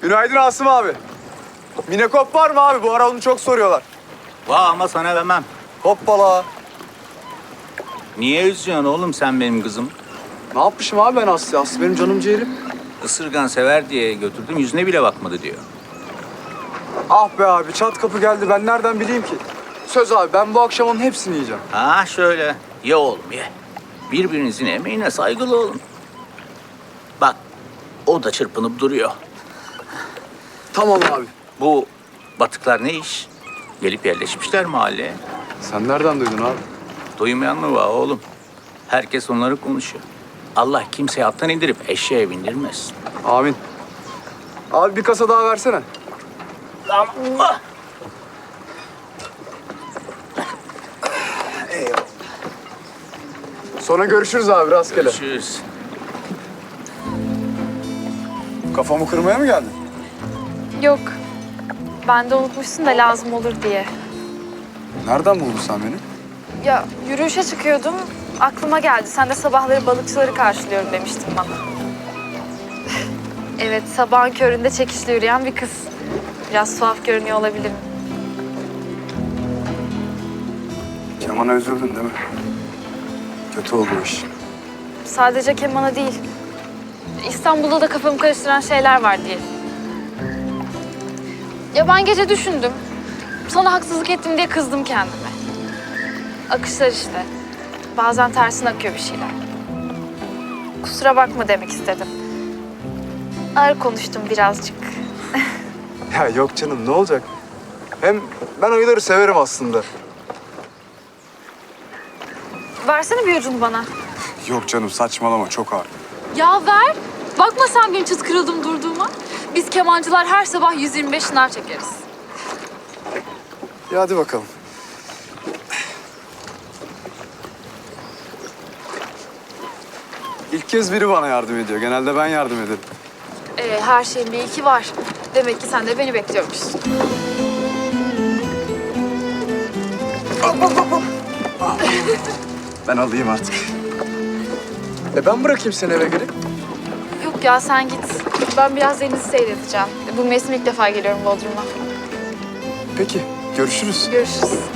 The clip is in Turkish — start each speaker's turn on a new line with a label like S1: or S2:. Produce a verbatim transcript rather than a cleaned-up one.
S1: Günaydın Asım abi. Minekop var mı abi? Bu ara onu çok soruyorlar.
S2: Vah ama sana vermem.
S1: Hoppala.
S2: Niye üzüyorsun oğlum sen benim kızım?
S1: Ne yapmışım abi ben Aslı? Aslı benim canım ciğerim.
S2: Isırgan sever diye götürdüm, yüzüne bile bakmadı diyor.
S1: Ah be abi, çat kapı geldi. Ben nereden bileyim ki? Söz abi, ben bu akşam onun hepsini yiyeceğim.
S2: Ha şöyle, ye oğlum ye. Birbirinizin emeğine saygılı olun. Bak, o da çırpınıp duruyor.
S1: Tamam abi.
S2: Bu batıklar ne iş? Gelip yerleşmişler mahalleye.
S1: Sen nereden duydun abi?
S2: Duymayan mı var oğlum? Herkes onları konuşuyor. Allah kimseyi attan indirip eşeğe bindirmez.
S1: Amin. Abi bir kasa daha versene.
S2: Allah!
S1: Sonra görüşürüz abi, rastgele.
S2: Görüşürüz.
S1: Kafamı kırmaya mı geldin?
S3: Yok. Ben de unutmuşsun da lazım olur diye.
S1: Nereden buldun sen beni?
S3: Ya yürüyüşe çıkıyordum. Aklıma geldi. Sen de sabahları balıkçıları karşılıyorum demiştin bana. Evet, sabahın köründe çekişle yürüyen bir kız. Biraz tuhaf görünüyor olabilirim.
S1: Keman'a üzüldün değil mi? Kötü oldu o iş.
S3: Sadece kemana değil. İstanbul'da da kafamı karıştıran şeyler var diye. Ya ben gece düşündüm. Sana haksızlık ettim diye kızdım kendime. Akışlar işte. Bazen tersine akıyor bir şeyler. Kusura bakma demek istedim. Ağır konuştum birazcık.
S1: Ya yok canım, ne olacak? Hem ben ayıları severim aslında.
S3: Versene bir ucunu bana.
S1: Yok canım, saçmalama, çok ağır.
S3: Ya ver. Bakma sen benim çıt kırıldım durduğuma. Biz kemancılar her sabah yüz yirmi beş şınar çekeriz.
S1: Ya hadi bakalım. İlk kez biri bana yardım ediyor. Genelde ben yardım ederim.
S3: Ee, her şeyin bir iki var. Demek ki sen de beni bekliyormuşsun.
S1: Ben alayım artık. E ben bırakayım seni eve gelip.
S3: Yok ya sen git. Ben biraz denizi seyredeceğim. Bu mevsim ilk defa geliyorum Bodrum'a.
S1: Peki, görüşürüz.
S3: Görüşürüz.